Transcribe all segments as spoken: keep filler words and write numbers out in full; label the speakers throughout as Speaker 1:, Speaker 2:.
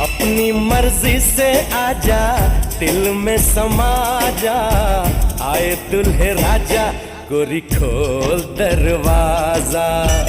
Speaker 1: अपनी मर्जी से आजा दिल में समा जा आए दुल्हे राजा गोरी खोल दरवाजा।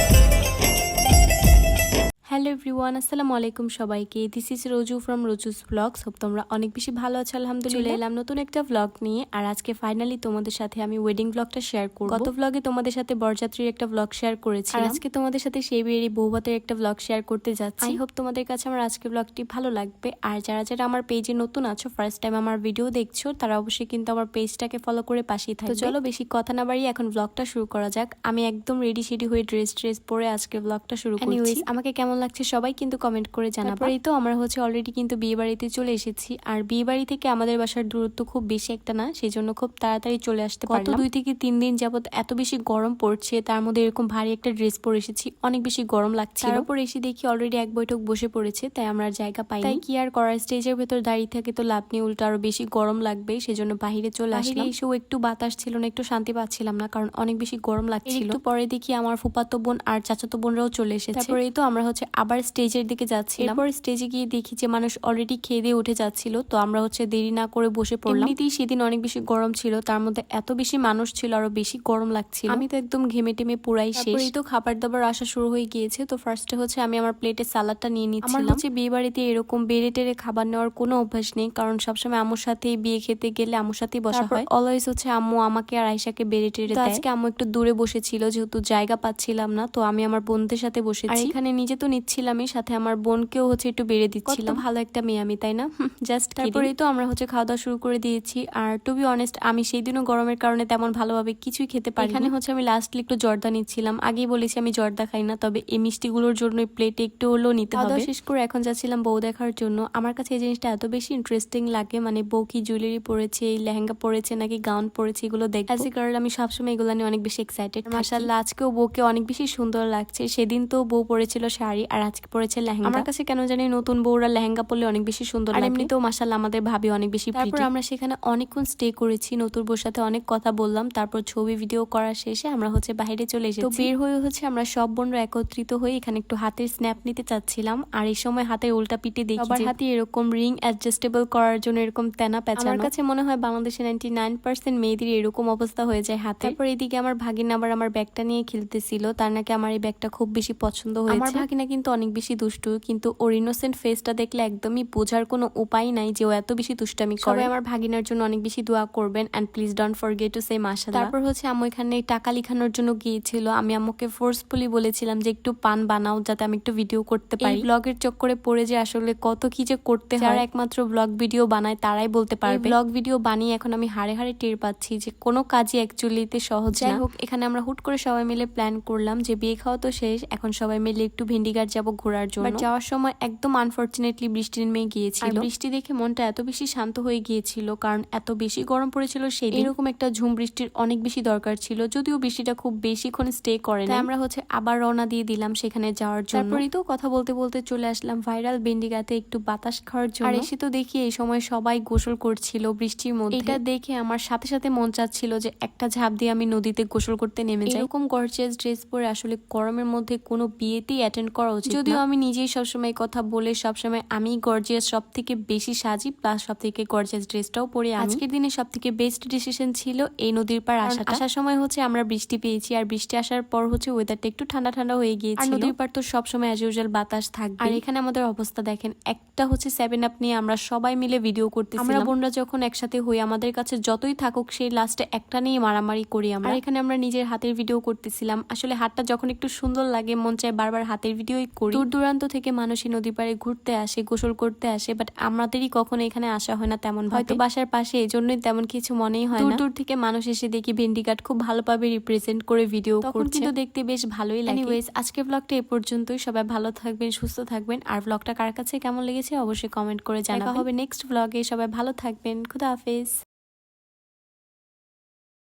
Speaker 2: হ্যালো এভরিওয়ান, আসসালামু আলাইকুম সবাইকে। This is Roju from Roju's blogs. Hope তোমরা অনেক বেশি ভালো আছো আলহামদুলিল্লাহ। এলাম নতুন একটা ব্লগ নিয়ে, আর আজকে ফাইনালি তোমাদের সাথে আমি ওয়েডিং ব্লগটা শেয়ার করব। গত ব্লগে তোমাদের সাথে বরযাত্রীর একটা ব্লগ শেয়ার করেছি, আর আজকে তোমাদের সাথে সেই বিয়ের বৌভাতের একটা ব্লগ শেয়ার করতে যাচ্ছি। আই হোপ তোমাদের কাছে আমার আজকের ব্লগটি ভালো লাগবে। আর যারা যারা আমার পেজে নতুন আছো, ফার্স্ট টাইম আমার ভিডিও দেখছো, তারা অবশ্যই কিন্তু আমার পেজটাকে ফলো করে পাশেই থাকবে। তো চলো বেশি কথা না বাড়িয়ে এখন ব্লগটা শুরু করা যাক। আমি একদম রেডি শেডি হয়ে ড্রেস ট্রেস পরে আজকে ব্লগটা শুরু করছি। আমাকে কেমন লাগছে সবাই কিন্তু কমেন্ট করে জানাবো। এই তো আমরা হচ্ছে অলরেডি কিন্তু বিয়ে বাড়িতে চলে এসেছি, আর বিয়ে বাড়ি থেকে আমাদের বাসার দূরত্ব খুব বেশি একটা না, সেই জন্য খুব তাড়াতাড়ি চলে আসতে পারলাম। গত দুই থেকে তিন দিন যাবত এত বেশি গরম পড়ছে, তার মধ্যে এরকম ভারী একটা ড্রেস পরে এসেছি, অনেক বেশি গরম লাগছে। তারপর এসে দেখি অলরেডি এক বৈঠক বসে পড়েছে, তাই আমরা জায়গা পাই। তাই কি আর করার, স্টেজের ভেতর দাঁড়িয়ে থাকে তো লাভ নেই, উল্টো আরো বেশি গরম লাগবে, সেজন্য বাহিরে চলে আসলাম। এসেও একটু বাতাস ছিল না, একটু শান্তি পাচ্ছিলাম না, কারণ অনেক বেশি গরম লাগছিল। একটু পরে দেখি আমার ফুফাতো বোন আর চাচাতো বোনরাও চলে এসেছে। তারপরে তো আমরা হচ্ছে আবার স্টেজের দিকে যাচ্ছি। এরপর স্টেজে গিয়ে দেখি যে মানুষ অলরেডি খেয়ে দিয়ে উঠে যাচ্ছিল, তো আমরা হচ্ছে দেরি না করে বসে পড়লাম। এমনিতেই সেদিন অনেক বেশি গরম ছিল, তার মধ্যে এত বেশি মানুষ ছিল, আরো বেশি গরম লাগছিল। আমি তো একদম ঘেমে টেমে পুরাই শেষ। তো খাবার দাবার আসা শুরু হয়ে গিয়েছে। তো ফার্স্টে হচ্ছে আমি আমার প্লেটে সালাডটা নিয়ে নিচ্ছিলাম। আমার হচ্ছে বিয়ে বাড়িতে এরকম বেড়ে টেরে খাবার নেওয়ার কোনো অভ্যাস নেই, কারণ সবসময় আম্মুর সাথে বিয়ে খেতে গেলে আম্মুর সাথেই বসা হয়। অলওয়েজ হচ্ছে আম্মু আমাকে আর আয়েশাকে বেড়ে টেরে দেয়। আজকে আম্মু একটু দূরে বসেছিল, যেহেতু জায়গা পাচ্ছিলাম না, তো আমি আমার বোনদের সাথে বসেছি। আর এখানে নিজে তো নিচ্ছিলামই, সাথে আমার বোনকেও হচ্ছে একটু বেড়ে দিচ্ছিলাম। ভালো একটা মেয়ে আমি, তাই না? জাস্ট তারপরেই তো আমরা হচ্ছে খাওয়া দাওয়া শুরু করে দিয়েছি। আর টু বি অনেস্ট, আমি সেই দিনও গরমের কারণে তেমন ভালোভাবে কিছুই খেতে পারি। এখানে হচ্ছে আমি লাস্টলি একটু জর্দা নিচ্ছিলাম। আগেই বলেছি আমি জর্দা খাই না, তবে এই মিষ্টিগুলোর জন্য প্লেটে একটু হলেও নিতে হবে। শেষ করে এখন যাচ্ছিলাম বউ দেখার জন্য। আমার কাছে এই জিনিসটা এত বেশি ইন্টারেস্টিং লাগে, মানে বউ কি জুয়েলারি পরেছে, লেহেঙ্গা পরেছে নাকি গাউন পরেছে, এগুলো দেখতে। অ্যাজ এ গার্ল আমি সবসময় এগুলো নিয়ে অনেক বেশি এক্সাইটেড। মাশাআল্লাহ, আজকেও বউকে অনেক বেশি সুন্দর লাগছে। সেদিন তো বউ পরেছিল শাড়ি, আর আজকে পরেছে লেহেঙ্গা। আমার কাছে কেন জানি নতুন বউরা লেহেঙ্গা পরলে অনেক বেশি সুন্দর লাগে। আর এমনিতেও মাশাআল্লাহ আমাদের ভাবি অনেক বেশি প্রিটি। তারপর আমরা সেখানে অনেকক্ষণ স্টে করেছি, নতুন বউর সাথে অনেক কথা বললাম। তারপর ছবি ভিডিও করা শেষে আমরা হচ্ছে বাইরে চলে এসেছি। তো বের হয়ে হচ্ছে আমরা সব বোনরা একত্রিত হয়ে এখানে একটু হাতের স্ন্যাপ নিতে চাচ্ছিলাম। আর এই সময় হাতের উল্টা পিঠে দেখি সবার হাতে এরকম রিং অ্যাডজাস্টেবল করার জন্য এরকম তেনা পেঁচানো। আমার কাছে মনে হয় বাংলাদেশে নাইনটি নাইন পার্সেন্ট মেয়েদের এরকম অবস্থা হয়ে যায় হাতে। তারপর এদিকে আমার ভাগিনা আবার আমার ব্যাগটা নিয়ে খেলতেছিল, তার নাকি আমার এই ব্যাগটা খুব বেশি পছন্দ হয়েছে। আমার ভাগিনা কিন্তু অনেক বেশি দুষ্টু, কিন্তু ওর ইনোসেন্ট ফেসটা দেখলে একদমই বোঝার কোনো উপায় নাই যে ও এত বেশি দুষ্টামি করে। সবাই আমার ভাগিনার জন্য অনেক বেশি দোয়া করবেন, and please don't forget to say মাশাআল্লাহ। তারপর হচ্ছে আম্মু এখানে টাকা লিখানোর জন্য গিয়েছিল। আমি আম্মুকে ফোর্সফুলি বলেছিলাম যে একটু পান বানাও, যাতে আমি একটু ভিডিও করতে পারি। ব্লগের চক্করে পড়ে যে আসলে কত কি যে করতে হয়, যারা একমাত্র ব্লগ ভিডিও বানায় তারাই বলতে পারবে। ব্লগ ভিডিও বানিয়ে এখন আমি হাড়ে হাড়ে টের পাচ্ছি যে কোনো কাজই অ্যাকচুয়ালিতে সহজ না। যাই হোক, এখানে আমরা হুট করে সবাই মিলে প্ল্যান করলাম যে বিয়ে খাওয়া তো শেষ, এখন সবাই মিলে একটু ভেন্ডিঘাট যাবো ঘোরার জন্য। বাট যাওয়ার সময় একদম আনফরচুনেটলি বৃষ্টি নেমে গিয়েছিল। বৃষ্টি দেখে মনটা এত বেশি শান্ত হয়ে গিয়েছিল, কারণ এত বেশি গরম পড়েছিল সেই দিন। এরকম একটা ঝুম বৃষ্টির অনেক বেশি দরকার ছিল, যদিও বৃষ্টিটা খুব বেশিক্ষণ স্টে করে না। আমরা হচ্ছে আবার রওনা দিয়ে দিলাম সেখানে যাওয়ার জন্য। তারপরেই তো কথা বলতে বলতে চলে আসলাম ভাইরাল ভেন্ডিঘাটে একটু বাতাস খাওয়ার জন্য। আর এসে তো দেখি এই সময় সবাই গোসল করছিল বৃষ্টির মধ্যে। এটা দেখে আমার সাথে সাথে মন চাচ্ছিল যে একটা ঝাঁপ দিয়ে আমি নদীতে গোসল করতে নেমে যাই। এরকম গর্জিয়াস ড্রেস পরে আসলে গরমের মধ্যে কোনো বিয়েতেই অ্যাটেন্ড করা উচিত। যদিও আমি নিজেই সবসময় কথা বলে সবসময় আমি গর্জিয়াস সব থেকে বেশি সাজি, প্লাস সব থেকে গর্জিয়াস ড্রেসটাও পরে। আজকের দিনে সব থেকে বেস্ট ডিসিশন ছিল এই নদীর পার আসা। আসার সময় হচ্ছে আমরা বৃষ্টি পেয়েছি, আর বৃষ্টি আসার পর হচ্ছে ওয়েদারটা একটু ঠান্ডা ঠান্ডা হয়ে গিয়েছিল। নদীর পার তো সবসময় অ্যাজ ইউজুয়াল বাতাস থাকবে। আর এখানে আমাদের অবস্থা দেখেন, একটা হচ্ছে সেভেন আপ নিয়ে আমরা সবাই মিলে ভিডিও করতেছিলাম। আমরা বোনরা যখন একসাথে হই, আমাদের কাছে যতই থাকুক সেই লাস্টে একটা নিয়ে মারামারি করি আমরা। আর এখানে আমরা নিজের হাতের ভিডিও করতেছিলাম। আসলে হাতটা যখন একটু সুন্দর লাগে, মন চায় বারবার হাতের ভিডিওই করি। দূর দূরান্ত থেকে মানুষ এই নদী পাড়ে ঘুরতে আসে, গোসল করতে আসে, বাট আমাদেরই কখনো এখানে আসা হয় না তেমন। হয়তো বাসার পাশে, এই জন্যই তেমন কিছু মনেই হয় না। দূর দূর থেকে মানুষ এসে দেখি ভেন্ডিঘাট খুব ভালোভাবে রিপ্রেজেন্ট করে ভিডিও করছে, কিন্তু দেখতে বেশ ভালোই লাগে। এনিওয়েজ, আজকের ব্লগটা এই পর্যন্তই। সবাই ভালো থাকবেন, সুস্থ থাকবেন। আর ব্লগটা কার কাছে কেমন লেগেছে অবশ্যই কমেন্ট করে জানাবেন। দেখা হবে নেক্সট ব্লগে। সবাই ভালো থাকবেন। খুদা হাফেজ।